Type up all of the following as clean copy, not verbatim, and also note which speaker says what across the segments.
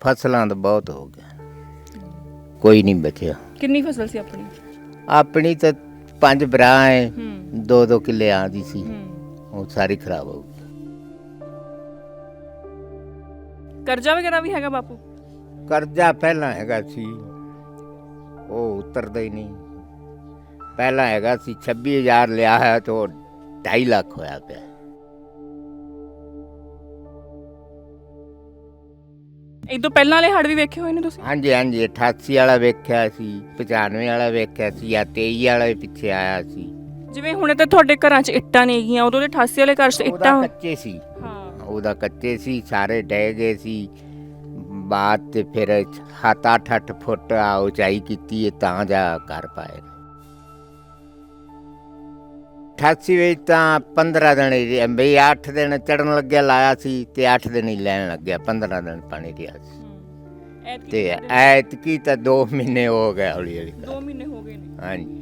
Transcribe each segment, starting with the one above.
Speaker 1: ਫਸਲਾਂ ਤਾਂ ਬਹੁਤ ਹੋ ਗਿਆ, ਕੋਈ ਨਹੀਂ ਬਚਿਆ।
Speaker 2: ਕਿੰਨੀ ਫਸਲ ਸੀ ਆਪਣੀ?
Speaker 1: ਆਪਣੀ ਤਾਂ 5 ਬਰਾਂ ਹੈ, 2-2 ਕਿੱਲੇ ਆਂਦੀ ਸੀ, ਉਹ ਸਾਰੀ ਖਰਾਬ ਹੋ ਗਈ।
Speaker 2: ਕਰਜ਼ਾ ਵਗੈਰਾ ਵੀ ਹੈਗਾ ਬਾਪੂ?
Speaker 1: ਕਰਜ਼ਾ ਪਹਿਲਾਂ ਹੈਗਾ ਸੀ, ਉਹ ਉਤਰਦਾ ਹੀ ਨਹੀਂ। ਪਹਿਲਾਂ ਹੈਗਾ ਸੀ 26,000 ਲਿਆ ਹੈ ਤਾਂ 2.5 ਲੱਖ ਹੋਇਆ ਪਿਆ।
Speaker 2: ਇਹ ਤੋਂ ਪਹਿਲਾਂ ਵਾਲੇ ਹੜ੍ਹ ਵੀ ਵੇਖੇ ਹੋਏ ਨੇ ਤੁਸੀਂ?
Speaker 1: ਹਾਂਜੀ ਹਾਂਜੀ, 88 ਵਾਲਾ ਵੇਖਿਆ ਸੀ, 95 ਵਾਲਾ ਵੇਖਿਆ ਸੀ, ਜਾਂ 23 ਵਾਲਾ ਵੀ ਪਿੱਛੇ ਆਇਆ ਸੀ।
Speaker 2: ਜਿਵੇਂ ਹੁਣੇ ਤਾਂ ਤੁਹਾਡੇ ਘਰਾਂ 'ਚ ਇੱਟਾਂ ਨਹੀਂ ਹੈਗੀਆਂ, ਉਦੋਂ ਦੇ 88 ਵਾਲੇ ਘਰ 'ਚ ਇੱਟਾਂ
Speaker 1: ਕੱਚੇ ਸੀ।
Speaker 2: ਹਾਂ,
Speaker 1: ਉਹਦਾ ਕੱਚੇ ਸੀ, ਸਾਰੇ ਡਹਿ ਗਏ ਸੀ। ਬਾਅਦ ਤੇ ਫਿਰ 7-8 ਫੁੱਟ ਆ ਉਚਾਈ ਕੀਤੀ ਹੈ ਤਾਂ ਜਾ ਕਰ ਪਾਏ। 88 ਵਿੱਚ ਤਾਂ 15 ਦਿਨ ਹੀ ਬਈ 8 ਦਿਨ ਚੜਨ ਲੱਗਿਆ ਲਾਇਆ ਸੀ ਤੇ 8 ਦਿਨ ਹੀ ਲੈਣ ਲੱਗਿਆ, 15 ਦਿਨ ਪਾਣੀ ਰਿਹਾ ਸੀ। ਤੇ ਐਤਕੀ ਤਾਂ 2 ਮਹੀਨੇ ਹੋ ਗਏ, ਹੌਲੀ ਹੌਲੀ
Speaker 2: 2 ਮਹੀਨੇ ਹੋ ਗਏ ਨੇ।
Speaker 1: ਹਾਂਜੀ,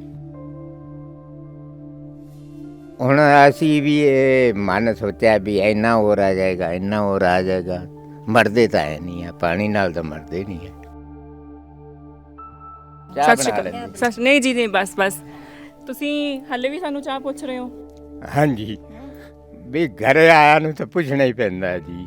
Speaker 1: ਹੁਣ ਅਸੀਂ ਵੀ ਇਹ ਮਨ ਸੋਚਿਆ ਵੀ ਇੰਨਾ ਹੋਰ ਆ ਜਾਏਗਾ, ਇੰਨਾ ਹੋਰ ਆ ਜਾਏਗਾ। ਮਰਦੇ ਤਾਂ ਹੈ ਨਹੀਂ ਆ, ਪਾਣੀ ਨਾਲ ਤਾਂ ਮਰਦੇ ਨਹੀਂ ਹੈ।
Speaker 2: ਸਤਿ ਸ਼੍ਰੀ ਅਕਾਲ। ਨਹੀਂ ਜੀ, ਨਹੀਂ, ਬਸ ਤੁਸੀਂ ਹਾਲੇ ਵੀ ਸਾਨੂੰ ਚਾਹ ਪੁੱਛ ਰਹੇ ਹੋ?
Speaker 1: ਹਾਂਜੀ, ਵੀ ਘਰੇ ਆਇਆ ਨੂੰ ਤਾਂ ਪੁੱਛਣਾ ਹੀ ਪੈਂਦਾ ਜੀ।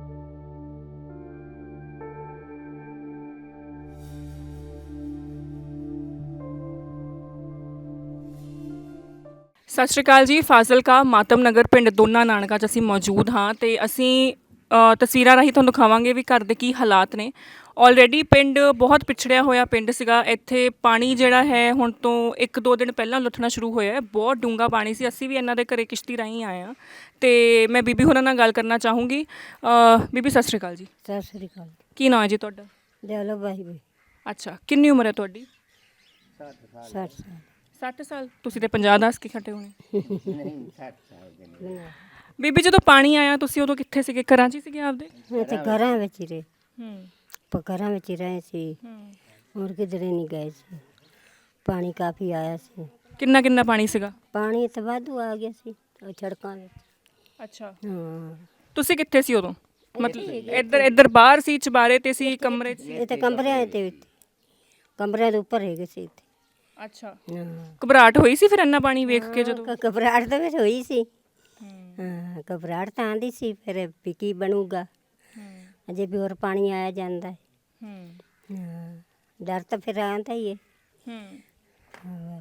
Speaker 2: ਸਤਿ ਸ਼੍ਰੀ ਅਕਾਲ ਜੀ। ਫਾਜ਼ਿਲਕਾ ਮਾਤਮ ਨਗਰ ਪਿੰਡ ਦੋਨਾ ਨਾਨਕਾ 'ਚ ਅਸੀਂ ਮੌਜੂਦ ਹਾਂ ਤੇ ਅਸੀਂ ਤਸਵੀਰਾਂ ਰਾਹੀਂ ਤੁਹਾਨੂੰ ਦਿਖਾਵਾਂਗੇ ਵੀ ਘਰ ਦੇ ਕੀ ਹਾਲਾਤ ਨੇ। ਆਲਰੇਡੀ ਪਿੰਡ ਬਹੁਤ ਪਿਛੜਿਆ ਹੋਇਆ ਪਿੰਡ ਸੀਗਾ। ਇੱਥੇ ਪਾਣੀ ਜਿਹੜਾ ਹੈ ਹੁਣ ਤੋਂ 1-2 ਦਿਨ ਪਹਿਲਾਂ ਲੁੱਥਣਾ ਸ਼ੁਰੂ ਹੋਇਆ। ਬਹੁਤ ਡੂੰਘਾ ਪਾਣੀ ਸੀ। ਅਸੀਂ ਵੀ ਇਹਨਾਂ ਦੇ ਘਰੇ ਕਿਸ਼ਤੀ ਰਾਹੀਂ ਆਏ ਹਾਂ ਤੇ ਮੈਂ ਬੀਬੀ ਹੋਰਾਂ ਨਾਲ ਗੱਲ ਕਰਨਾ ਚਾਹੂੰਗੀ। ਬੀਬੀ ਸਤਿ ਸ਼੍ਰੀ ਅਕਾਲ ਜੀ।
Speaker 3: ਸਤਿ ਸ੍ਰੀ ਅਕਾਲ।
Speaker 2: ਕੀ ਨਾਂ ਹੈ ਜੀ ਤੁਹਾਡਾ?
Speaker 3: ਦਿਆਲੋ ਬਾਈ ਵੀ।
Speaker 2: ਅੱਛਾ, ਕਿੰਨੀ ਉਮਰ ਹੈ ਤੁਹਾਡੀ?
Speaker 3: 60 ਸਾਲ।
Speaker 2: 60 ਸਾਲ? ਤੁਸੀਂ ਤੇ 50 ਦੱਸ ਕੇ ਖੱਟੇ ਹੋਣੇ।
Speaker 1: ਨਹੀਂ, 60 ਸਾਲ।
Speaker 2: ਬੀਬੀ ਜਦੋਂ ਪਾਣੀ ਆਇਆ ਤੁਸੀਂ ਉਦੋਂ ਕਿੱਥੇ ਸੀਗੇ? ਘਰਾਂ 'ਚ ਹੀ ਸੀਗੇ ਆਪਦੇ?
Speaker 3: ਤੇ ਘਰਾਂ ਵਿੱਚ ਹੀ ਰਹੇ।
Speaker 2: ਹੂੰ,
Speaker 3: ਘਰਾਂ ਵਿੱਚ ਹੀ ਰਹੇ ਸੀ, ਹੋਰ ਕਿਧਰੇ ਨਹੀਂ ਗਏ ਸੀ। ਪਾਣੀ ਕਾਫੀ ਆਇਆ ਸੀ।
Speaker 2: ਕਿੰਨਾ ਪਾਣੀ ਸੀਗਾ?
Speaker 3: ਪਾਣੀ ਤਾਂ ਵਾਧੂ ਆ ਗਿਆ ਸੀ ਉਹ ਸੜਕਾਂ ਵਿੱਚ।
Speaker 2: ਅੱਛਾ,
Speaker 3: ਹਾਂ,
Speaker 2: ਤੁਸੀਂ ਕਿੱਥੇ ਸੀ ਉਦੋਂ? ਮਤਲਬ ਇੱਧਰ ਬਾਹਰ ਸੀ, ਚੁਬਾਰੇ ਤੇ ਸੀ, ਕਮਰੇ 'ਚ?
Speaker 3: ਇਹ ਤਾਂ ਕਮਰਿਆਂ ਤੇ ਕਮਰਿਆਂ ਦੇ ਉੱਪਰ ਹੈਗੇ ਸੀ ਇੱਥੇ।
Speaker 2: ਅੱਛਾ,
Speaker 3: ਹਾਂ,
Speaker 2: ਘਬਰਾਹਟ ਹੋਈ ਸੀ ਫਿਰ ਇੰਨਾ ਪਾਣੀ ਵੇਖ ਕੇ ਜਦੋਂ?
Speaker 3: ਘਬਰਾਹਟ ਤਾਂ ਵਿੱਚ ਹੋਈ ਸੀ। ਹਾਂ, ਘਬਰਾਹਟ ਤਾਂ ਆਂਦੀ ਸੀ ਫਿਰ ਵੀ ਕੀ ਬਣੂਗਾ, ਅਜੇ ਵੀ ਹੋਰ ਪਾਣੀ ਆਇਆ ਜਾਂਦਾ ਹੈ। ਹਾਂ, ਡਰ ਤਾਂ ਫਿਰ ਆਉਂਦਾ ਹੀ ਹੈ। ਹਾਂ,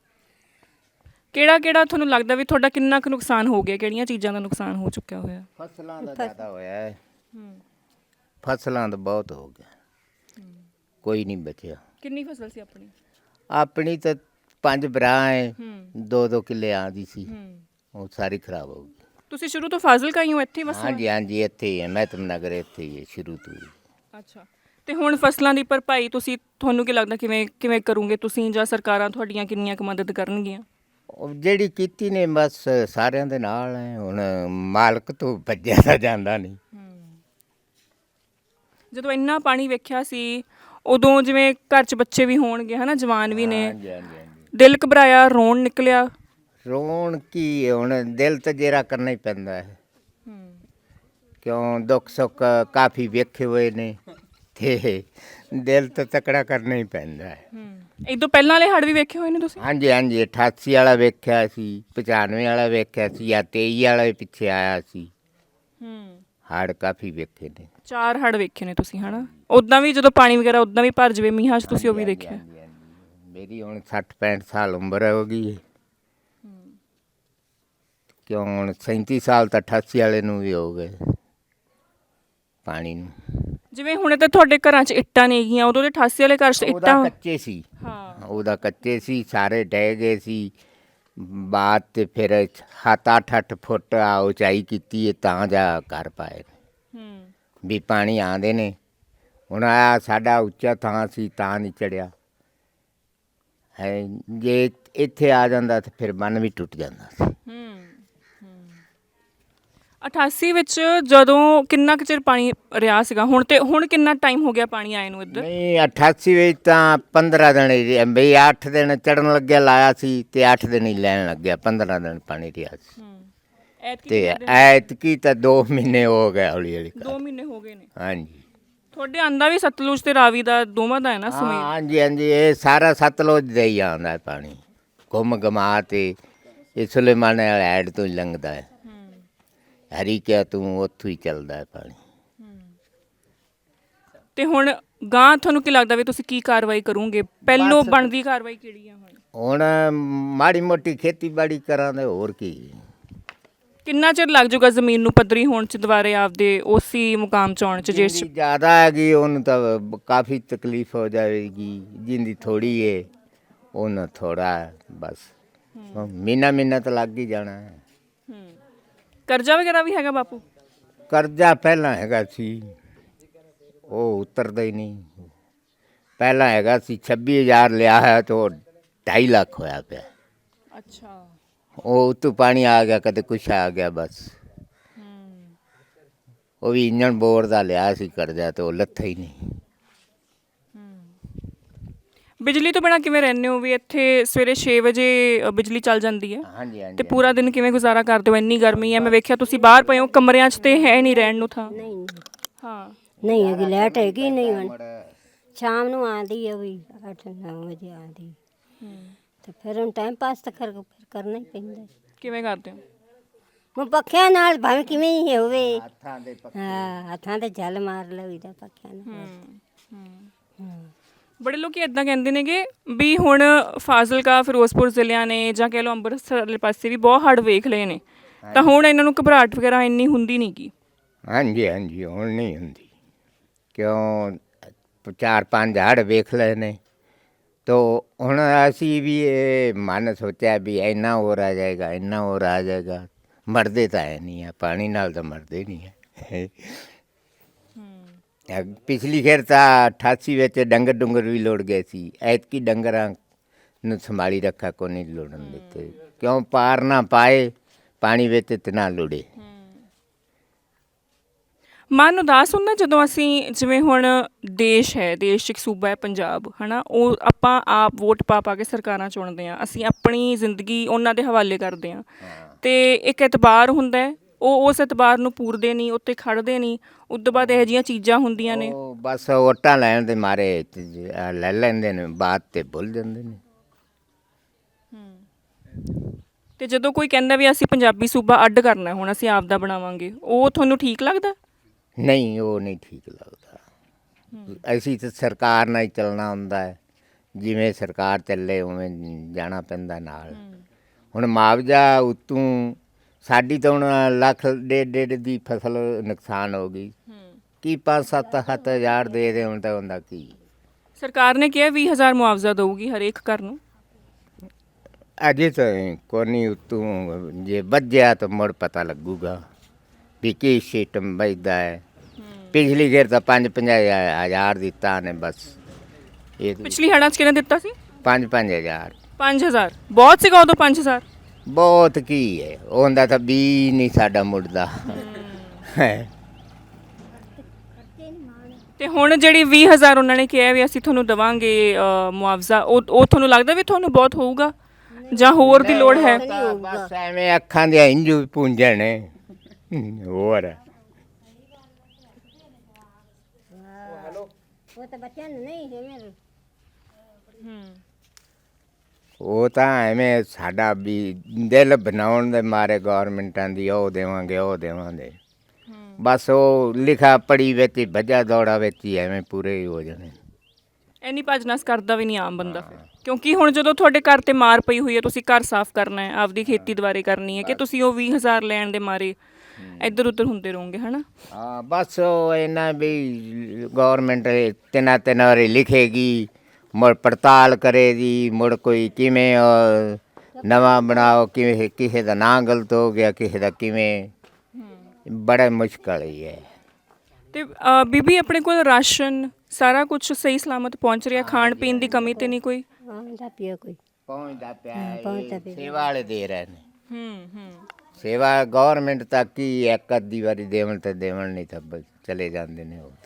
Speaker 2: ਕਿਹੜਾ ਤੁਹਾਨੂੰ ਲੱਗਦਾ ਵੀ ਤੁਹਾਡਾ ਕਿੰਨਾ ਕੁ ਨੁਕਸਾਨ ਹੋ ਗਿਆ? ਕਿਹੜੀਆਂ ਚੀਜ਼ਾਂ ਦਾ ਨੁਕਸਾਨ ਹੋ ਚੁੱਕਿਆ ਹੋਇਆ?
Speaker 1: ਫਸਲਾਂ ਦਾ ਜ਼ਿਆਦਾ ਹੋਇਆ ਹੈ। ਫਸਲਾਂ ਦਾ ਬਹੁਤ ਹੋ ਗਿਆ, ਕੋਈ ਨਹੀਂ ਬਚਿਆ।
Speaker 2: ਕਿੰਨੀ ਫਸਲ ਸੀ ਆਪਣੀ?
Speaker 1: ਆਪਣੀ ਤਾਂ 5 ਬਰਾਂ ਹੈ, 2-2 ਕਿੱਲੇ ਆਂਦੀ ਸੀ, ਉਹ ਸਾਰੀ ਖਰਾਬ ਹੋ ਗਈ।
Speaker 2: ਤੁਸੀਂ ਸ਼ੁਰੂ ਤੋਂ ਫਾਜ਼ਿਲਕਾ ਹੀ ਹੋ? ਇੱਥੇ ਵਸੇ?
Speaker 1: ਹਾਂਜੀ ਹਾਂਜੀ, ਇੱਥੇ ਹੀ ਹੈ, ਮਹਿਤਮ ਨਗਰ ਇੱਥੇ ਹੀ ਹੈ ਸ਼ੁਰੂ ਤੋਂ ਹੀ।
Speaker 2: ਅੱਛਾ, ਤੇ ਹੁਣ ਫਸਲਾਂ ਦੀ ਭਰਪਾਈ ਤੁਹਾਨੂੰ ਕੀ ਲੱਗਦਾ ਕਿਵੇਂ ਕਰੋਗੇ ਤੁਸੀਂ, ਜਾਂ ਸਰਕਾਰਾਂ ਤੁਹਾਡੀਆਂ ਕਿੰਨੀਆਂ ਕੁ ਮਦਦ ਕਰਨਗੀਆਂ?
Speaker 1: ਉਹ ਜਿਹੜੀ ਕੀਤੀ ਨੇ ਬਸ ਸਾਰਿਆਂ ਦੇ ਨਾਲ ਹੈ, ਹੁਣ ਮਾਲਕ ਤੋਂ ਭੱਜਿਆ ਤਾਂ ਜਾਂਦਾ ਨਹੀਂ।
Speaker 2: ਜਦੋਂ ਇੰਨਾ ਪਾਣੀ ਵੇਖਿਆ ਸੀ ਉਦੋਂ ਜਿਵੇਂ ਘਰ 'ਚ ਬੱਚੇ ਵੀ ਹੋਣਗੇ ਹਨਾ, ਜਵਾਨ ਵੀ ਨੇ,
Speaker 1: ਹਾਂਜੀ ਹਾਂਜੀ ਹਾਂਜੀ।
Speaker 2: ਦਿਲ ਘਬਰਾਇਆ, ਰੋਣ ਨਿਕਲਿਆ?
Speaker 1: ਰੋਣ ਕੀ, ਹੁਣ ਦਿਲ ਤਾਂ ਜੇਰਾ ਕਰਨਾ ਹੀ ਪੈਂਦਾ ਹੈ, ਕਿਉਂ ਦੁੱਖ ਸੁੱਖ ਕਾਫੀ ਵੇਖੇ ਹੋਏ ਨੇ ਤੇ ਦਿਲ ਤਾਂ ਤਕੜਾ ਕਰਨਾ ਹੀ ਪੈਂਦਾ ਹੈ।
Speaker 2: ਇਹ ਤੋਂ ਪਹਿਲਾਂ ਵਾਲੇ ਹੜ੍ਹ ਵੀ ਵੇਖੇ ਹੋਏ ਨੇ ਤੁਸੀਂ?
Speaker 1: ਹਾਂਜੀ ਹਾਂਜੀ, 88 ਵਾਲਾ ਵੇਖਿਆ ਸੀ, 95 ਵਾਲਾ ਵੇਖਿਆ ਸੀ, ਜਾਂ 23 ਵਾਲਾ ਵੀ ਪਿੱਛੇ ਆਇਆ ਸੀ। ਹੜ੍ਹ ਕਾਫੀ ਵੇਖੇ ਨੇ। 4
Speaker 2: ਹੜ੍ਹ ਵੇਖੇ ਨੇ ਤੁਸੀਂ ਹਨਾ? ਉੱਦਾਂ ਵੀ ਜਦੋਂ ਪਾਣੀ ਵਗੈਰਾ ਉੱਦਾਂ ਵੀ ਭਰ ਜਾਵੇ ਮੀਂਹਾਂ 'ਚ, ਤੁਸੀਂ ਉਹ ਵੀ ਦੇਖਿਆ?
Speaker 1: ਮੇਰੀ ਹੁਣ 60-65 ਸਾਲ ਉਮਰ ਹੋ ਗਈ, ਕਿਉਂ ਹੁਣ 37 ਸਾਲ ਤਾਂ 88 ਵਾਲੇ ਨੂੰ ਵੀ ਹੋ ਗਏ ਪਾਣੀ ਨੂੰ।
Speaker 2: ਜਿਵੇਂ ਹੁਣ ਤਾਂ ਤੁਹਾਡੇ ਘਰਾਂ 'ਚ ਇੱਟਾਂ ਨਹੀਂ ਹੈਗੀਆਂ, ਉਦੋਂ ਦੇ 88 ਵਾਲੇ ਘਰ 'ਚ ਇੱਟਾਂ
Speaker 1: ਕੱਚੇ ਸੀ।
Speaker 2: ਹਾਂ,
Speaker 1: ਉਹਦਾ ਕੱਚੇ ਸੀ, ਸਾਰੇ ਡਹਿ ਗਏ ਸੀ। ਬਾਅਦ ਤੇ ਫਿਰ 7-8 ਫੁੱਟ ਆ ਉਚਾਈ ਕੀਤੀ ਹੈ ਤਾਂ ਜਾ ਕਰ ਪਾਏ ਵੀ ਪਾਣੀ ਆਉਂਦੇ ਨੇ। ਹੁਣ ਆ ਸਾਡਾ ਉੱਚਾ ਥਾਂ ਸੀ ਤਾਂ ਨਹੀਂ ਚੜਿਆ ਹੈ, ਜੇ ਇੱਥੇ ਆ ਜਾਂਦਾ ਤਾਂ ਫਿਰ ਬੰਨ ਵੀ ਟੁੱਟ ਜਾਂਦਾ ਸੀ।
Speaker 2: 88 ਵਿੱਚ ਜਦੋਂ ਕਿੰਨਾ ਕੁ ਚਿਰ ਪਾਣੀ ਰਿਹਾ ਸੀਗਾ? ਹੁਣ ਕਿੰਨਾ ਟਾਈਮ ਹੋ ਗਿਆ ਪਾਣੀ ਆਏ ਨੂੰ ਇੱਧਰ?
Speaker 1: ਨਹੀਂ, 88 ਵਿੱਚ ਤਾਂ 15 ਦਿਨ ਹੀ ਬਈ 8 ਦਿਨ ਚੜਨ ਲੱਗਿਆ ਲਾਇਆ ਸੀ ਤੇ 8 ਦਿਨ ਹੀ ਲੈਣ ਲੱਗਿਆ, 15 ਦਿਨ ਪਾਣੀ ਰਿਹਾ ਸੀ। ਤੇ ਐਤਕੀ ਤਾਂ 2 ਮਹੀਨੇ ਹੋ ਗਏ, ਹੌਲੀ ਹੌਲੀ
Speaker 2: 2 ਮਹੀਨੇ ਹੋ ਗਏ ਨੇ।
Speaker 1: ਹਾਂਜੀ,
Speaker 2: ਤੁਹਾਡੇ ਆਂਦਾ ਵੀ ਸਤਲੁਜ ਤੇ ਰਾਵੀ ਦਾ ਦੋਵਾਂ ਦਾ ਹੈ ਨਾ ਸਮੇਤ।
Speaker 1: ਹਾਂਜੀ ਹਾਂਜੀ, ਇਹ ਸਾਰਾ ਸਤਲੁਜ ਦਾ ਹੀ ਆਉਂਦਾ ਹੈ ਪਾਣੀ, ਘੁੰਮ ਘਮਾ ਤੇ ਇਹ ਸੁਲੇਮਾਨ ਐਡ ਤੋਂ ਹੀ ਲੰਘਦਾ ਹੈ। ਹਰੀ ਕਿਆ ਤੂੰ ਉੱਥੋਂ ਹੀ ਚੱਲਦਾ ਹੈ ਪਾਣੀ।
Speaker 2: ਤੇ ਹੁਣ ਗਾਂ ਤੁਹਾਨੂੰ ਕੀ ਲੱਗਦਾ ਵੀ ਤੁਸੀਂ ਕੀ ਕਾਰਵਾਈ ਕਰੋਗੇ? ਪਹਿਲੋਂ ਬਣਦੀ ਕਾਰਵਾਈ ਕਿਹੜੀ ਆ ਹੁਣ?
Speaker 1: ਹੁਣ ਮਾੜੀ ਮੋਟੀ ਖੇਤੀਬਾੜੀ ਕਰਾਂਗੇ, ਹੋਰ ਕੀ।
Speaker 2: ਕਿੰਨਾ ਚਿਰ ਲੱਗ ਜਾਊਗਾ ਜ਼ਮੀਨ ਨੂੰ ਪੱਧਰੀ ਹੋਣ ਚ ਦੁਬਾਰੇ ਆਪਦੇ ਉਸੇ ਮੁਕਾਮ ਚ ਆਉਣ ਚ? ਜੇ
Speaker 1: ਜਿੰਦੀ ਜ਼ਿਆਦਾ ਹੈਗੀ ਉਹਨੂੰ ਤਾਂ ਕਾਫੀ ਤਕਲੀਫ ਹੋ ਜਾਵੇਗੀ, ਜਿੰਦੀ ਥੋੜੀ ਹੈ ਉਹਨੂੰ ਥੋੜਾ ਹੈ ਬਸ। ਮਹੀਨਾ ਤਾਂ ਲੱਗ ਹੀ ਜਾਣਾ ਹੈ।
Speaker 2: ਕਰਜ਼ਾ ਵਗੈਰਾ ਵੀ ਹੈਗਾ ਬਾਪੂ?
Speaker 1: ਕਰਜ਼ਾ ਪਹਿਲਾਂ ਹੈਗਾ ਸੀ, ਉਹ ਉਤਰਦਾ ਹੀ ਨਹੀਂ। ਪਹਿਲਾਂ ਹੈਗਾ ਸੀ 26,000 ਲਿਆ ਹੈ ਤਾਂ 2.5 ਲੱਖ ਹੋਇਆ ਪਿਆ।
Speaker 2: ਅੱਛਾ।
Speaker 1: ਉਹ ਉੱਤੋਂ ਪਾਣੀ ਆ ਗਿਆ, ਕਦੇ ਕੁਛ ਆ ਗਿਆ ਬਸ। ਉਹ ਵੀ ਇੰਜਣ ਬੋਰ ਦਾ ਲਿਆ ਸੀ ਕਰਜ਼ਾ, ਤੇ ਉਹ ਲੱਥਾ ਹੀ ਨਹੀਂ।
Speaker 2: ਬਿਜਲੀ ਤੋਂ ਬਿਨਾਂ ਕਿਵੇਂ ਰਹਿੰਦੇ ਹੋ? ਵੀ ਇੱਥੇ ਸਵੇਰੇ 6 ਵਜੇ ਬਿਜਲੀ ਚੱਲ ਜਾਂਦੀ ਹੈ
Speaker 1: ਹਾਂਜੀ
Speaker 2: ਤੇ
Speaker 1: ਹਾਂਜੀ।
Speaker 2: ਪੂਰਾ ਦਿਨ ਕਿਵੇਂ ਗੁਜ਼ਾਰਾ ਕਰਦੇ ਹੋ? ਇੰਨੀ ਗਰਮੀ ਹੈ, ਮੈਂ ਵੇਖਿਆ ਤੁਸੀਂ ਬਾਹਰ ਪਏ ਹੋ ਕਮਰਿਆਂ 'ਚ ਤੇ ਹੈ ਨਹੀਂ ਰਹਿਣ ਨੂੰ ਥਾਂ।
Speaker 3: ਨਹੀਂ
Speaker 2: ਹਾਂ।
Speaker 3: ਨਹੀਂ ਹੈਗੀ ਲਾਈਟ, ਹੈਗੀ ਨਹੀਂ ਹੁਣ। ਸ਼ਾਮ ਨੂੰ ਆਉਂਦੀ ਹੈ, ਵੀ 8-9 ਵਜੇ ਆਉਂਦੀ। ਤੇ ਫਿਰ ਹੁਣ ਟਾਈਮ ਪਾਸ ਤਾਂ ਫਿਰ ਕਰਨਾ ਹੀ ਪੈਂਦਾ।
Speaker 2: ਕਿਵੇਂ ਕਰਦੇ ਹੋ?
Speaker 3: ਹੁਣ ਪੱਖਿਆਂ ਨਾਲ ਭਾਵੇਂ ਕਿਵੇਂ ਹੀ ਹੋਵੇ,
Speaker 1: ਹੱਥਾਂ ਦੇ
Speaker 3: ਹਾਂ ਹੱਥਾਂ ਤੇ ਜਲ ਮਾਰ ਲਈਦਾ ਪੱਖਿਆਂ ਨਾਲ।
Speaker 2: ਬੜੇ ਲੋਕ ਇਦਾਂ ਕਹਿੰਦੇ ਨੇਗੇ ਵੀ ਹੁਣ ਫਾਜ਼ਿਲਕਾ ਫਿਰੋਜ਼ਪੁਰ ਜ਼ਿਲ੍ਹਿਆਂ ਨੇ ਜਾਂ ਕਹਿ ਲਓ ਅੰਮ੍ਰਿਤਸਰ ਵਾਲੇ ਪਾਸੇ ਵੀ ਬਹੁਤ ਹੜ੍ਹ ਵੇਖ ਲਏ ਨੇ, ਤਾਂ ਹੁਣ ਇਹਨਾਂ ਨੂੰ ਘਬਰਾਹਟ ਵਗੈਰਾ ਇੰਨੀ ਹੁੰਦੀ ਨਹੀਂ ਗੀ।
Speaker 1: ਹਾਂਜੀ ਹਾਂਜੀ, ਹੁਣ ਨਹੀਂ ਹੁੰਦੀ। ਕਿਉਂ 4-5 ਹੜ੍ਹ ਵੇਖ ਲਏ ਨੇ, ਤੋ ਹੁਣ ਅਸੀਂ ਵੀ ਇਹ ਮਨ ਸੋਚਿਆ ਵੀ ਇੰਨਾ ਹੋਰ ਆ ਜਾਏਗਾ, ਇੰਨਾ ਹੋਰ ਆ ਜਾਏਗਾ। ਮਰਦੇ ਤਾਂ ਹੈ ਨਹੀਂ ਆ, ਪਾਣੀ ਨਾਲ ਤਾਂ ਮਰਦੇ ਨਹੀਂ ਹੈ। ਪਿਛਲੀ ਖੇਰ ਤਾਂ 88 ਵਿੱਚ ਡੰਗਰ ਡੁੰਗਰ ਵੀ ਲੁੜ ਗਏ ਸੀ। ਐਤਕੀ ਡੰਗਰਾਂ ਨੂੰ ਸੰਭਾਲੀ ਰੱਖਾ ਕੋ ਨਹੀਂ ਲੁੜਨ ਦਿੱਤੇ, ਕਿਉਂ ਪਾਰ ਨਾ ਪਾਏ ਪਾਣੀ ਵਿੱਚ ਤੇ ਨਾ ਲੁੜੇ।
Speaker 2: ਮਨ ਉਦਾਸ ਹੁੰਦਾ ਜਦੋਂ ਅਸੀਂ, ਜਿਵੇਂ ਹੁਣ ਦੇਸ਼ ਹੈ, ਦੇਸ਼ 'ਚ ਇੱਕ ਸੂਬਾ ਹੈ ਪੰਜਾਬ, ਹੈ ਨਾ, ਉਹ ਆਪਾਂ ਆਪ ਵੋਟ ਪਾ ਪਾ ਕੇ ਸਰਕਾਰਾਂ ਚੁਣਦੇ ਹਾਂ, ਅਸੀਂ ਆਪਣੀ ਜ਼ਿੰਦਗੀ ਉਹਨਾਂ ਦੇ ਹਵਾਲੇ ਕਰਦੇ ਹਾਂ। ਅਤੇ ਇੱਕ ਐਤਬਾਰ ਹੁੰਦਾ ਹੈ, ਉਹ ਉਸ ਐਤਬਾਰ ਨੂੰ ਪੂਰਦੇ ਨਹੀਂ, ਉੱਤੇ ਖੜ੍ਹਦੇ ਨਹੀਂ। ਉਸ ਤੋਂ ਬਾਅਦ ਇਹੋ ਜਿਹੀਆਂ ਚੀਜ਼ਾਂ ਹੁੰਦੀਆਂ ਨੇ।
Speaker 1: ਉਹ ਬਸ ਵੋਟਾਂ ਲੈਣ ਦੇ ਮਾਰੇ ਲੈ ਲੈਂਦੇ ਨੇ, ਬਾਅਦ ਤੇ ਭੁੱਲ ਜਾਂਦੇ ਨੇ।
Speaker 2: ਤੇ ਜਦੋਂ ਕੋਈ ਕਹਿੰਦਾ ਵੀ ਅਸੀਂ ਪੰਜਾਬੀ ਸੂਬਾ ਅੱਡ ਕਰਨਾ, ਹੁਣ ਅਸੀਂ ਆਪ ਦਾ ਬਣਾਵਾਂਗੇ, ਉਹ ਤੁਹਾਨੂੰ ਠੀਕ ਲੱਗਦਾ?
Speaker 1: ਨਹੀਂ, ਉਹ ਨਹੀਂ ਠੀਕ ਲੱਗਦਾ। ਅਸੀਂ ਤਾਂ ਸਰਕਾਰ ਨਾਲ ਹੀ ਚੱਲਣਾ ਹੁੰਦਾ ਹੈ, ਜਿਵੇਂ ਸਰਕਾਰ ਚੱਲੇ ਉਵੇਂ ਜਾਣਾ ਪੈਂਦਾ ਨਾਲ। ਹੁਣ ਮੁਆਵਜ਼ਾ ਉਤੋਂ ਸਾਡੀ ਤਾਂ ਹੁਣ 1.5 ਦੀ ਫਸਲ ਨੁਕਸਾਨ ਹੋ ਗਈ, ਕੀ 5-7 ਹਜ਼ਾਰ ਦੇ ਦੇ ਹੁਣ ਤਾਂ ਹੁੰਦਾ ਕੀ।
Speaker 2: ਸਰਕਾਰ ਨੇ ਕਿਹਾ 20,000 ਮੁਆਵਜ਼ਾ ਦਊਗੀ ਹਰੇਕ ਘਰ ਨੂੰ।
Speaker 1: ਅਜੇ ਤਾਂ ਕੋਨੀ ਉਤੋਂ ਜੇ ਵੱਜਿਆ ਤਾਂ ਮੁੜ ਪਤਾ ਲੱਗੂਗਾ ਵੀ ਕੀ ਸਿਸਟਮ ਵੱਜਦਾ ਹੈ। ਪਿਛਲੀ ਗੇਰ ਤਾਂ 5-5 ਹਜ਼ਾਰ ਦਿੱਤਾ ਨੇ ਬਸ। ਇਹ
Speaker 2: ਪਿਛਲੀ ਹੜ੍ਹਾਂ 'ਚ ਕਿਹਨੇ ਦਿੱਤਾ ਸੀ?
Speaker 1: 5-5 ਹਜ਼ਾਰ
Speaker 2: 5,000 ਬਹੁਤ ਸੀਗਾ ਉਦੋਂ 5,000।
Speaker 1: ਬਹੁਤ ਕੀ ਹੈ, ਉਹਦਾ ਤਾਂ ਵੀ ਨਹੀਂ ਸਾਡਾ ਮੁੜਦਾ ਹੈ।
Speaker 2: ਤੇ ਹੁਣ ਜਿਹੜੀ 20,000 ਉਹਨਾਂ ਨੇ ਕਿਹਾ ਵੀ ਅਸੀਂ ਤੁਹਾਨੂੰ ਦੇਵਾਂਗੇ ਮੁਆਵਜ਼ਾ, ਉਹ ਤੁਹਾਨੂੰ ਲੱਗਦਾ ਵੀ ਤੁਹਾਨੂੰ ਬਹੁਤ ਹੋਊਗਾ ਜਾਂ ਹੋਰ ਦੀ ਲੋੜ ਹੈ?
Speaker 1: ਬਸ ਐਵੇਂ ਅੱਖਾਂ ਦੇ ਇੰਜੂ ਪੂੰਝਣ ਨੇ ਹੋਰ।
Speaker 3: ਉਹ ਤਾਂ ਬੱਚਿਆਂ ਨੂੰ ਨਹੀਂ ਜਿਵੇਂ
Speaker 1: ਉਹ ਤਾਂ ਐਵੇਂ ਸਾਡਾ ਵੀ ਦਿਲ ਬਣਾਉਣ ਦੇ ਮਾਰੇ ਗੌਰਮੈਂਟਾਂ ਦੀ ਉਹ ਦੇਵਾਂਗੇ ਉਹ ਦੇਵਾਂਗੇ, ਬਸ ਉਹ ਲਿਖਾ ਪੜੀ ਵਿੱਚ ਹੀ ਭੱਜਾ ਦੌੜਾ ਵਿੱਚ ਹੀ ਐਵੇਂ ਪੂਰੇ ਹੀ ਹੋ ਜਾਣੇ।
Speaker 2: ਇੰਨੀ ਭੱਜ-ਨੱਸ ਕਰਦਾ ਵੀ ਨਹੀਂ ਆਮ ਬੰਦਾ ਫਿਰ, ਕਿਉਂਕਿ ਹੁਣ ਜਦੋਂ ਤੁਹਾਡੇ ਘਰ ਤੇ ਮਾਰ ਪਈ ਹੋਈ ਹੈ, ਤੁਸੀਂ ਘਰ ਸਾਫ਼ ਕਰਨਾ ਹੈ, ਆਪਦੀ ਖੇਤੀ ਦੁਬਾਰੇ ਕਰਨੀ ਹੈ, ਕਿ ਤੁਸੀਂ ਉਹ 20,000 ਲੈਣ ਦੇ ਮਾਰੇ ਇੱਧਰ ਉੱਧਰ ਹੁੰਦੇ ਰਹੋਗੇ, ਹੈ ਨਾ?
Speaker 1: ਹਾਂ ਬਸ ਉਹ ਇਹਨਾਂ ਵੀ ਗੌਰਮੈਂਟ 3 ਵਾਰੀ ਲਿਖੇਗੀ, ਮੁੜ ਪੜਤਾਲ ਕਰੇਗੀ, ਮੁੜ ਕੋਈ ਕਿਵੇਂ ਨਵਾਂ ਬਣਾਓ, ਕਿਵੇਂ ਕਿਸੇ ਦਾ ਨਾਂ ਗਲਤ ਹੋ ਗਿਆ, ਕਿਸੇ ਦਾ ਕਿਵੇਂ, ਬੜਾ ਮੁਸ਼ਕਲ ਹੀ ਹੈ।
Speaker 2: ਤੇ ਬੀਬੀ ਆਪਣੇ ਕੋਲ ਰਾਸ਼ਨ ਸਾਰਾ ਕੁਝ ਸਹੀ ਸਲਾਮਤ ਪਹੁੰਚ ਰਿਹਾ? ਖਾਣ ਪੀਣ ਦੀ ਕਮੀ ਤੇ ਨਹੀਂ ਕੋਈ?
Speaker 3: ਆਉਂਦਾ ਪਿਆ ਕੋਈ
Speaker 1: ਪਹੁੰਚਦਾ
Speaker 3: ਪਹੁੰਚਦਾ
Speaker 1: ਪਿਆ,
Speaker 3: ਪਿਆ।
Speaker 1: ਸੇਵਾ ਵਾਲੇ ਦੇ ਰਹੇ ਨੇ। ਸੇਵਾ ਗੌਰਮੈਂਟ ਤੱਕ ਹੀ ਇੱਕ ਅੱਧੀ ਵਾਰੀ ਦੇਵਣ ਤੇ ਦੇਵਣ, ਨਹੀਂ ਤਾਂ ਬਸ ਚਲੇ ਜਾਂਦੇ ਨੇ ਉਹ ਤਾਂ।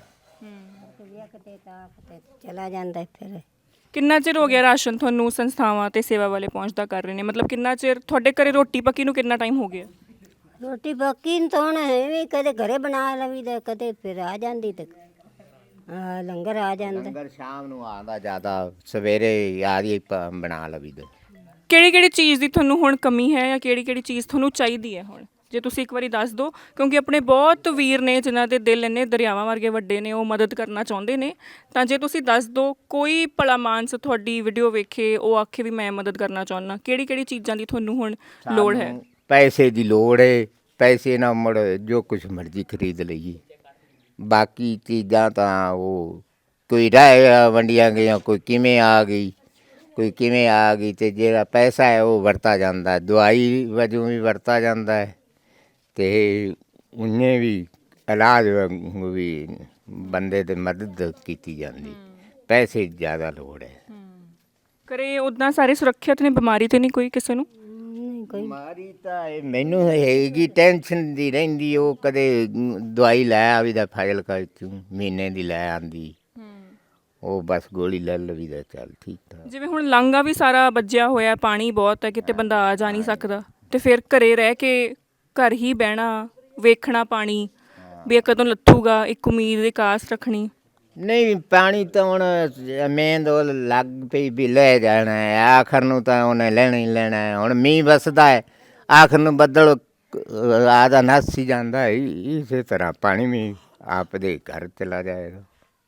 Speaker 3: ਚਲਾ ਜਾਂਦਾ ਫਿਰ।
Speaker 2: ਕਿੰਨਾ ਚਿਰ ਹੋ ਗਿਆ ਰਾਸ਼ਨ ਤੁਹਾਨੂੰ ਸੰਸਥਾਵਾਂ ਤੇ ਸੇਵਾ ਵਾਲੇ ਪਹੁੰਚਦਾ ਕਰ ਰਹੇ ਨੇ? ਮਤਲਬ ਕਿੰਨਾ ਚਿਰ ਤੁਹਾਡੇ ਘਰੇ ਰੋਟੀ ਪੱਕੀ ਨੂੰ ਕਿੰਨਾ ਟਾਈਮ ਹੋ ਗਿਆ?
Speaker 3: ਰੋਟੀ ਬਾਕੀ ਤਾਂ ਹੁਣ ਐਵੇਂ ਕਦੇ ਘਰੇ ਬਣਾ ਲਵੀਦਾ, ਕਦੇ ਫਿਰ ਆ ਜਾਂਦੀ ਤੇ ਲੰਗਰ ਆ ਜਾਂਦਾ
Speaker 1: ਲੰਗਰ ਸ਼ਾਮ ਨੂੰ ਆਉਂਦਾ ਜ਼ਿਆਦਾ, ਸਵੇਰੇ ਆਦੀ ਬਣਾ ਲਵੀਦਾ।
Speaker 2: ਕਿਹੜੀ ਕਿਹੜੀ ਚੀਜ਼ ਦੀ ਤੁਹਾਨੂੰ ਹੁਣ ਕਮੀ ਹੈ ਜਾਂ ਕਿਹੜੀ ਕਿਹੜੀ ਚੀਜ਼ ਤੁਹਾਨੂੰ ਚਾਹੀਦੀ ਹੈ ਹੁਣ, ਜੇ ਤੁਸੀਂ ਇੱਕ ਵਾਰੀ ਦੱਸ ਦਿਓ, ਕਿਉਂਕਿ ਆਪਣੇ ਬਹੁਤ ਵੀਰ ਨੇ ਜਿਨ੍ਹਾਂ ਦੇ ਦਿਲ ਇੰਨੇ ਦਰਿਆਵਾਂ ਵਰਗੇ ਵੱਡੇ ਨੇ, ਉਹ ਮਦਦ ਕਰਨਾ ਚਾਹੁੰਦੇ ਨੇ, ਤਾਂ ਜੇ ਤੁਸੀਂ ਦੱਸ ਦਿਓ, ਕੋਈ ਭਲਾ ਮਾਨਸ ਤੁਹਾਡੀ ਵੀਡੀਓ ਵੇਖੇ, ਉਹ ਆਖੇ ਵੀ ਮੈਂ ਮਦਦ ਕਰਨਾ ਚਾਹੁੰਦਾ, ਕਿਹੜੀ ਕਿਹੜੀ ਚੀਜ਼ਾਂ ਦੀ ਤੁਹਾਨੂੰ ਹੁਣ ਲੋੜ ਹੈ?
Speaker 1: ਸਾਨੂੰ ਪੈਸੇ ਦੀ ਲੋੜ ਹੈ, ਪੈਸੇ ਨਾਲ ਮੁੜ ਜੋ ਕੁਛ ਮਰਜ਼ੀ ਖਰੀਦ ਲਈਏ। ਬਾਕੀ ਚੀਜ਼ਾਂ ਤਾਂ ਉਹ ਕੋਈ ਰਹਿ ਵੰਡੀਆਂ ਗਈਆਂ, ਕੋਈ ਕਿਵੇਂ ਆ ਗਈ, ਕੋਈ ਕਿਵੇਂ ਆ ਗਈ, ਤੇ ਜਿਹੜਾ ਪੈਸਾ ਹੈ ਉਹ ਵਰਤਾ ਜਾਂਦਾ, ਦਵਾਈ ਵਜੋਂ ਵੀ ਵਰਤਾ ਜਾਂਦਾ ਹੈ, ਤੇ ਉਹਨੇ ਵੀ ਇਲਾਜ ਵਾਂਗੂ ਵੀ ਬੰਦੇ ਦੀ ਮਦਦ ਕੀਤੀ ਜਾਂਦੀ। ਪੈਸੇ ਦੀ ਜ਼ਿਆਦਾ ਲੋੜ ਹੈ।
Speaker 2: ਘਰੇ ਉੱਦਾਂ ਸਾਰੇ ਸੁਰੱਖਿਅਤ ਨੇ, ਬਿਮਾਰੀ ਤੇ ਨਹੀਂ ਕੋਈ ਕਿਸੇ ਨੂੰ?
Speaker 3: ਨਹੀਂ ਕੋਈ
Speaker 1: ਬਿਮਾਰੀ ਤਾਂ ਇਹ ਮੈਨੂੰ ਹੈਗੀ, ਟੈਨਸ਼ਨ ਦੀ ਰਹਿੰਦੀ। ਉਹ ਕਦੇ ਦਵਾਈ ਲੈ ਆਵੀ ਦਾ ਫਾਜ਼ਿਲਕਾ ਵਿੱਚੋਂ, ਮਹੀਨੇ ਦੀ ਲੈ ਆਂਦੀ, ਉਹ ਬਸ ਗੋਲੀ ਲੈ ਲਵੀ ਦਾ, ਚੱਲ ਠੀਕ ਠਾਕ।
Speaker 2: ਜਿਵੇਂ ਹੁਣ ਲਾਂਘਾ ਵੀ ਸਾਰਾ ਵੱਜਿਆ ਹੋਇਆ, ਪਾਣੀ ਬਹੁਤ ਹੈ, ਕਿਤੇ ਬੰਦਾ ਆ ਜਾ ਨਹੀਂ ਸਕਦਾ, ਤੇ ਫਿਰ ਘਰੇ ਰਹਿ ਕੇ ਘਰ ਹੀ ਬਹਿਣਾ, ਵੇਖਣਾ ਪਾਣੀ ਵੀ ਇਹ ਕਦੋਂ ਲੱਥੂਗਾ, ਇੱਕ ਉਮੀਦ ਦੀ ਕਾਸ ਰੱਖਣੀ।
Speaker 1: ਨਹੀਂ ਪਾਣੀ ਤਾਂ ਹੁਣ ਮੇਨ ਉਹ ਲੱਗ ਪਈ ਵੀ ਲੈ ਜਾਣਾ ਹੈ, ਆਖਰ ਨੂੰ ਤਾਂ ਉਹਨੇ ਲੈਣਾ ਹੀ ਲੈਣਾ ਹੈ। ਹੁਣ ਮੀਂਹ ਵਸਦਾ ਹੈ, ਆਖਰ ਨੂੰ ਬੱਦਲ ਆਦਾ ਨੱਸ ਹੀ ਜਾਂਦਾ ਹੈ, ਇਸੇ ਤਰ੍ਹਾਂ ਪਾਣੀ ਵੀ ਆਪਦੇ ਘਰ ਚਲਾ ਜਾਏਗਾ।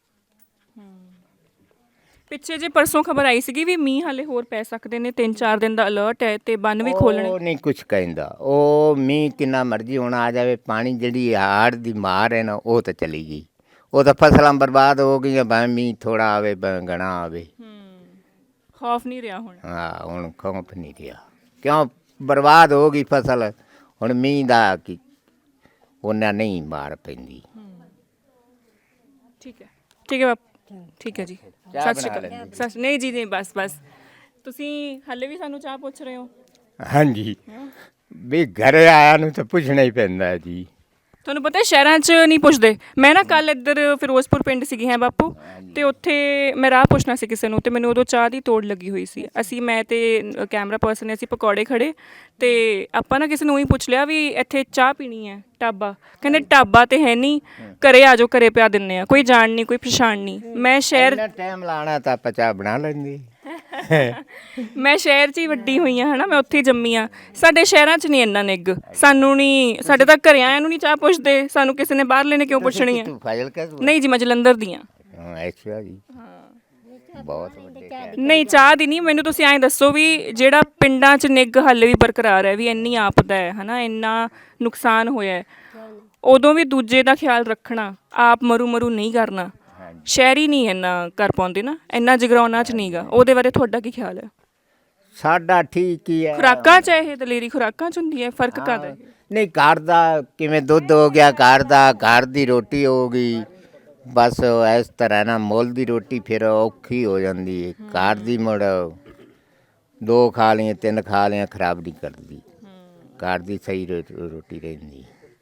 Speaker 2: ਪਿੱਛੇ ਜੇ ਪਰਸੋਂ ਖਬਰ ਆਈ ਸੀਗੀ ਵੀ ਮੀਂਹ ਹਾਲੇ ਹੋਰ ਪੈ ਸਕਦੇ ਨੇ, 3-4 ਦਿਨ ਦਾ ਅਲਰਟ ਹੈ ਤੇ ਬੰਨ ਵੀ ਖੋਲਣੇ।
Speaker 1: ਉਹ ਨਹੀਂ ਕੁਛ ਕਹਿੰਦਾ, ਉਹ ਮੀਂਹ ਕਿੰਨਾ ਮਰਜ਼ੀ ਹੁਣ ਆ ਜਾਵੇ, ਪਾਣੀ ਜਿਹੜੀ ਹਾੜ ਦੀ ਮਾਰ ਹੈ ਨਾ, ਉਹ ਤਾਂ ਚਲੀ ਗਈ। ਉਹ ਤਾਂ ਫਸਲਾਂ ਬਰਬਾਦ ਹੋ ਗਈਆਂ, ਭਾਵੇਂ ਮੀਂਹ ਥੋੜਾ ਆਵੇ ਭਾਵੇਂ ਘਣਾ ਆਵੇ।
Speaker 2: ਖੌਫ ਨਹੀਂ ਰਿਹਾ ਹੁਣ।
Speaker 1: ਹਾਂ ਹੁਣ ਖੌਫ ਨਹੀਂ ਰਿਹਾ, ਕਿਉਂ ਬਰਬਾਦ ਹੋ ਗਈ ਫਸਲ। ਹੁਣ ਮੀਂਹ ਦਾ ਕੀ ਉਹਨਾਂ ਨਹੀਂ ਮਾਰ ਪੈਂਦੀ।
Speaker 2: ਠੀਕ ਹੈ, ਠੀਕ ਹੈ ਬਾਪੂ, ਠੀਕ ਹੈ ਜੀ, ਸਤਿ ਸ਼੍ਰੀ ਅਕਾਲ। ਨਹੀਂ ਜੀ, ਨਹੀਂ, ਬਸ ਬਸ, ਤੁਸੀਂ ਹਾਲੇ ਵੀ ਸਾਨੂੰ ਚਾਹ ਪੁੱਛ ਰਹੇ ਹੋ?
Speaker 1: ਹਾਂਜੀ, ਵੀ ਘਰੇ ਆਇਆ ਨੂੰ ਤਾਂ ਪੁੱਛਣਾ ਹੀ ਪੈਂਦਾ ਜੀ।
Speaker 2: ਤੁਹਾਨੂੰ ਪਤਾ ਸ਼ਹਿਰਾਂ 'ਚ ਨਹੀਂ ਪੁੱਛਦੇ। ਮੈਂ ਨਾ ਕੱਲ ਇੱਧਰ ਫਿਰੋਜ਼ਪੁਰ ਪਿੰਡ ਸੀਗੀ ਹੈ ਬਾਪੂ, ਤੇ ਉੱਥੇ ਮੈਂ ਰਾਹ ਪੁੱਛਣਾ ਸੀ ਕਿਸੇ ਨੂੰ, ਤੇ ਮੈਨੂੰ ਉਦੋਂ ਚਾਹ ਦੀ ਤੋੜ ਲੱਗੀ ਹੋਈ ਸੀ। ਮੈਂ ਤੇ ਕੈਮਰਾ ਪਰਸਨ ਨੇ, ਅਸੀਂ ਪਕੌੜੇ ਖੜੇ, ਤੇ ਆਪਾਂ ਨਾ ਕਿਸੇ ਨੂੰ ਹੀ ਪੁੱਛ ਲਿਆ ਵੀ ਇੱਥੇ ਚਾਹ ਪੀਣੀ ਹੈ, ਢਾਬਾ। ਕਹਿੰਦੇ ਢਾਬਾ ਤੇ ਹੈ ਨਹੀਂ, ਘਰੇ ਆ ਜਾਓ, ਘਰੇ ਪਿਆ ਦਿੰਦੇ ਆ, ਕੋਈ ਜਾਣ ਨਹੀਂ, ਕੋਈ ਪਛਾਣ ਨਹੀਂ। ਮੈਂ ਸ਼ਹਿਰ
Speaker 1: ਟਾਈਮ ਲਾਣਾ ਤਾਂ ਆਪਾਂ ਚਾਹ ਬਣਾ ਲੈਂਦੀ।
Speaker 2: ਮੈਂ ਸ਼ਹਿਰ 'ਚ ਹੀ ਵੱਡੀ ਹੋਈ ਹਾਂ, ਹੈ ਨਾ, ਮੈਂ ਉੱਥੇ ਹੀ ਜੰਮੀ ਹਾਂ। ਸਾਡੇ ਸ਼ਹਿਰਾਂ 'ਚ ਨਹੀਂ ਇੰਨਾ ਨਿੱਘ, ਸਾਨੂੰ ਨਹੀਂ, ਸਾਡੇ ਤਾਂ ਘਰੇ ਆਇਆਂ ਨੂੰ ਨਹੀਂ ਚਾਹ ਪੁੱਛਦੇ, ਸਾਨੂੰ ਕਿਸੇ ਨੇ ਬਾਹਰ ਲੈਣੇ ਕਿਉਂ ਪੁੱਛਣੀ ਹੈ? ਨਹੀਂ ਜੀ, ਮੈਂ ਜਲੰਧਰ ਦੀ ਹਾਂ।
Speaker 1: ਅੱਛਾ ਜੀ, ਬਹੁਤ ਵੱਡੇ।
Speaker 2: ਨਹੀਂ ਚਾਹ ਦੀ ਨਹੀਂ, ਮੈਨੂੰ ਤੁਸੀਂ ਐਂ ਦੱਸੋ ਵੀ ਜਿਹੜਾ ਪਿੰਡਾਂ 'ਚ ਨਿੱਘ ਹਾਲੇ ਵੀ ਬਰਕਰਾਰ ਹੈ, ਵੀ ਇੰਨੀ ਆਪਦਾ ਹੈ ਨਾ, ਇੰਨਾ ਨੁਕਸਾਨ ਹੋਇਆ ਹੈ, ਉਦੋਂ ਵੀ ਦੂਜੇ ਦਾ ਖਿਆਲ ਰੱਖਣਾ, ਆਪ ਮਰੂ ਨਹੀਂ ਕਰਨਾ। ਸ਼ਹਿਰੀ ਨਹੀਂ ਇੰਨਾ ਕਰ ਪਾਉਂਦੇ ਨਾ, ਇੰਨਾ ਜਗਰਾਉਣਾ 'ਚ ਨਹੀਂਗਾ। ਉਹਦੇ ਬਾਰੇ ਤੁਹਾਡਾ ਕੀ ਖਿਆਲ ਹੈ?
Speaker 1: ਸਾਡਾ ਠੀਕ ਹੀ ਹੈ।
Speaker 2: ਖੁਰਾਕਾਂ 'ਚ ਇਹ ਦਲੇਰੀ ਖੁਰਾਕਾਂ 'ਚ ਹੁੰਦੀ ਹੈ, ਫਰਕ ਕਾਹਦਾ?
Speaker 1: ਨਹੀਂ ਘਰ ਦਾ ਕਿਵੇਂ ਦੁੱਧ ਹੋ ਗਿਆ, ਘਰ ਦਾ, ਘਰ ਦੀ ਰੋਟੀ ਹੋ ਗਈ, ਬਸ ਇਸ ਤਰ੍ਹਾਂ ਨਾ। ਮੁੱਲ ਦੀ ਰੋਟੀ ਫਿਰ ਔਖੀ ਹੋ ਜਾਂਦੀ ਹੈ। ਘਰ ਦੀ ਮੁੜ 2 ਖਾ ਲਈਆਂ 3 ਖਾ ਲਈਆਂ ਖਰਾਬ ਨਹੀਂ ਕਰਦੀ, ਘਰ ਦੀ ਸਹੀ ਰੋਟੀ ਰਹਿੰਦੀ।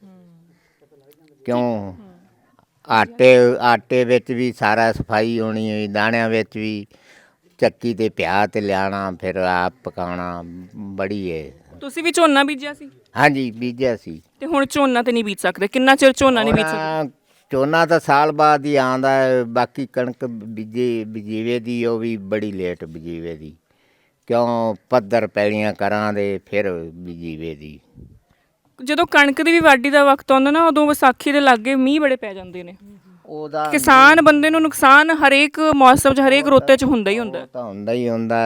Speaker 1: ਕਿਉਂ ਆਟੇ ਵਿੱਚ ਵੀ ਸਾਰਾ ਸਫਾਈ ਹੋਣੀ ਹੋਈ, ਦਾਣਿਆਂ ਵਿੱਚ ਵੀ ਚੱਕੀ ਤੇ ਪਿਆ ਤੇ ਲਿਆਣਾ, ਫਿਰ ਆਪ ਪਕਾਉਣਾ, ਬੜੀ ਹੈ।
Speaker 2: ਤੁਸੀਂ ਵੀ ਝੋਨਾ ਬੀਜਿਆ ਸੀ?
Speaker 1: ਹਾਂਜੀ ਬੀਜਿਆ ਸੀ।
Speaker 2: ਤੇ ਹੁਣ ਝੋਨਾ ਤੇ ਨਹੀਂ ਬੀਜ ਸਕਦੇ, ਕਿੰਨਾ ਚਿਰ ਝੋਨਾ ਨਹੀਂ ਬੀਜ ਸਕਦੇ?
Speaker 1: ਝੋਨਾ ਤਾਂ ਸਾਲ ਬਾਅਦ ਹੀ ਆਉਂਦਾ ਹੈ। ਬਾਕੀ ਕਣਕ ਬੀਜੀਵੇ ਦੀ, ਉਹ ਵੀ ਬੜੀ ਲੇਟ ਬੀਜੀਵੇ ਦੀ, ਕਿਉਂ ਪੱਧਰ ਪੈਲੀਆਂ ਕਰਾਂ ਦੇ ਫਿਰ ਬੀਜੀਵੇ ਦੀ।
Speaker 2: ਜਦੋਂ ਕਣਕ ਦੀ ਵੀ ਵਾਢੀ ਦਾ ਵਕਤ ਆਉਂਦਾ ਨਾ, ਉਦੋਂ ਵਿਸਾਖੀ ਦੇ ਲਾਗੇ ਮੀਂਹ ਬੜੇ ਪੈ ਜਾਂਦੇ ਨੇ।
Speaker 1: ਉਹਦਾ
Speaker 2: ਕਿਸਾਨ ਬੰਦੇ ਨੂੰ ਨੁਕਸਾਨ ਹਰੇਕ ਮੌਸਮ 'ਚ, ਹਰੇਕ ਰੁੱਤੇ 'ਚ ਹੁੰਦਾ ਹੀ ਹੁੰਦਾ।
Speaker 1: ਤਾਂ ਹੁੰਦਾ ਹੀ ਹੁੰਦਾ,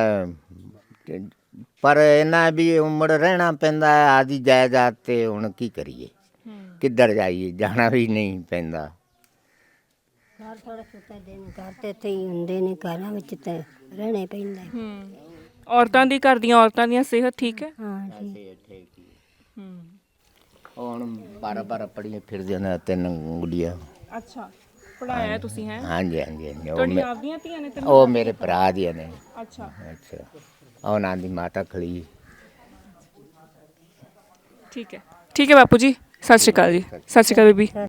Speaker 1: ਪਰ ਇਹਨਾਂ ਵੀ ਉਮੜ ਰਹਿਣਾ ਪੈਂਦਾ ਹੈ ਆਦੀ ਜਾਇਦਾਦ ਤੇ। ਹੁਣ ਕੀ ਕਰੀਏ, ਕਿੱਧਰ ਜਾਈਏ, ਜਾਣਾ ਵੀ ਨਹੀਂ ਪੈਂਦਾ।
Speaker 3: ਘਰ ਥੋੜਾ ਛੋਟਾ ਦਿਨ, ਘਰ ਤੇ ਇੱਥੇ ਹੀ ਹੁੰਦੇ ਨੇ, ਘਰਾਂ ਵਿੱਚ ਤਾਂ ਰਹਿਣਾ ਪੈਂਦਾ।
Speaker 2: ਔਰਤਾਂ ਦੀ, ਘਰ ਦੀਆਂ ਔਰਤਾਂ ਦੀਆਂ ਸਿਹਤ ਠੀਕ ਹੈ?
Speaker 3: ਹਾਂ ਜੀ।
Speaker 1: ਹੁਣ 12 ਪੜੀਆਂ ਫਿਰਦੀਆਂ ਨੇ, 3 ਗੁੱਡੀਆਂ।
Speaker 2: ਅੱਛਾ, ਪੜਾਇਆ ਤੁਸੀਂ ਹੈ?
Speaker 1: ਹਾਂਜੀ ਹਾਂਜੀ ਹਾਂਜੀ।
Speaker 2: ਤੁਹਾਡੀਆਂ ਆਪਦੀਆਂ ਧੀਆਂ ਨੇ?
Speaker 1: ਉਹ ਮੇਰੇ ਭਰਾ ਦੀਆਂ ਨੇ।
Speaker 2: ਅੱਛਾ
Speaker 1: ਅੱਛਾ, ਉਹਨਾਂ ਦੀ ਮਾਤਾ ਖਲੀ।
Speaker 2: ਠੀਕ ਹੈ, ਠੀਕ ਹੈ ਬਾਪੂ ਜੀ, ਸਤਿ ਸ਼੍ਰੀ ਅਕਾਲ ਜੀ। ਸਤਿ ਸ਼੍ਰੀ ਅਕਾਲ ਬੀਬੀ।